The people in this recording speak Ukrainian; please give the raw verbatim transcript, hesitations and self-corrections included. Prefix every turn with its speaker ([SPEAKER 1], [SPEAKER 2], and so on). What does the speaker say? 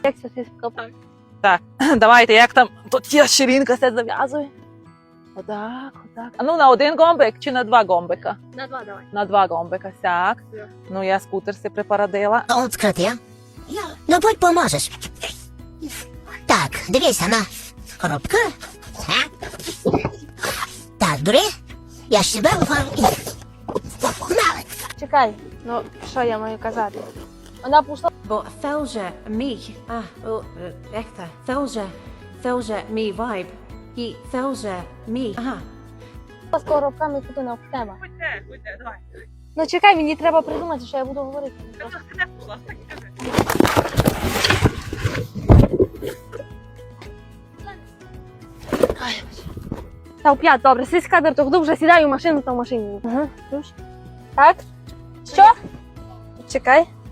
[SPEAKER 1] Як це сіська?
[SPEAKER 2] Так, давайте, як там, тут є ширинка, все зав'язує. Отак, отак. А ну на один гомбик чи на два гомбика?
[SPEAKER 1] На два давай.
[SPEAKER 2] На два гомбика, так.
[SPEAKER 1] Так.
[SPEAKER 2] Ну я скутер си припарадила.
[SPEAKER 3] От скрити. Ну, будь поможеш. Так, дивися на коробку. Так. Так, бери. Я себе оформлю.
[SPEAKER 1] Чекай, ну що я маю казати? Вона пішла.
[SPEAKER 4] But Felja, me, ah, oh, Ekta, Felja, Felja, me vibe. He, Felja, me, aha.
[SPEAKER 1] з коробками туди на тебе.
[SPEAKER 2] Ходьте, ходьте, давай.
[SPEAKER 1] Ну чекай, мені треба придумати, що я буду говорити. Та в п'ять, добре, сись кадр, то вже сідаю в машину, то в машині. Ага, так? Що? Чекай.